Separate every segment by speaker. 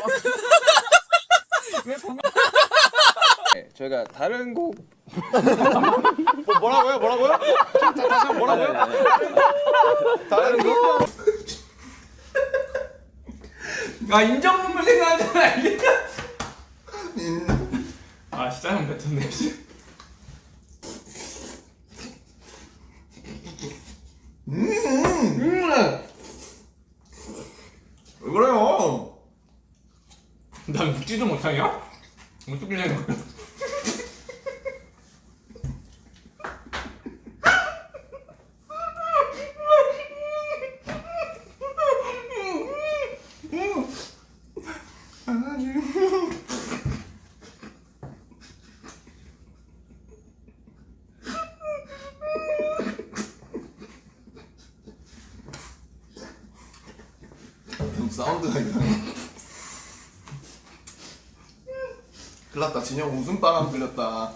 Speaker 1: 네, 저희가 다른 곡
Speaker 2: 뭐라고요? 뭐라고요? 다시 한번 뭐라고요? 다른 거?
Speaker 3: 아 인정문물 생각하잖아 이게. 아 진짜 형 뱉었네.
Speaker 2: 왜 그래요?
Speaker 3: 난 묻지도 못하냐? 어떻게 된 거야?
Speaker 2: 사운드가 있네. 큰일났다. 진영 웃음바람 들렸다.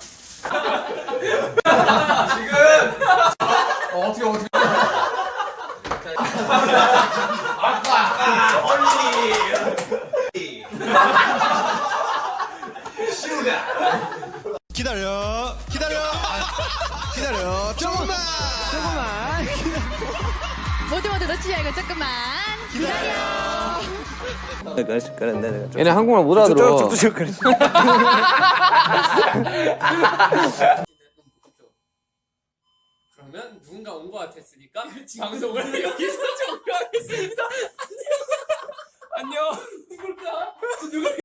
Speaker 2: 지금 어떻게
Speaker 4: 기다려 조금만
Speaker 5: 모두 놓치지 말고 조금만 기다려.
Speaker 1: 얘네 한국말 못 알아들어.
Speaker 6: 그러면 누군가 온 것 같았으니까 방송을 여기서 종료하겠습니다. 안녕. 안녕. 누굴까? 누굴?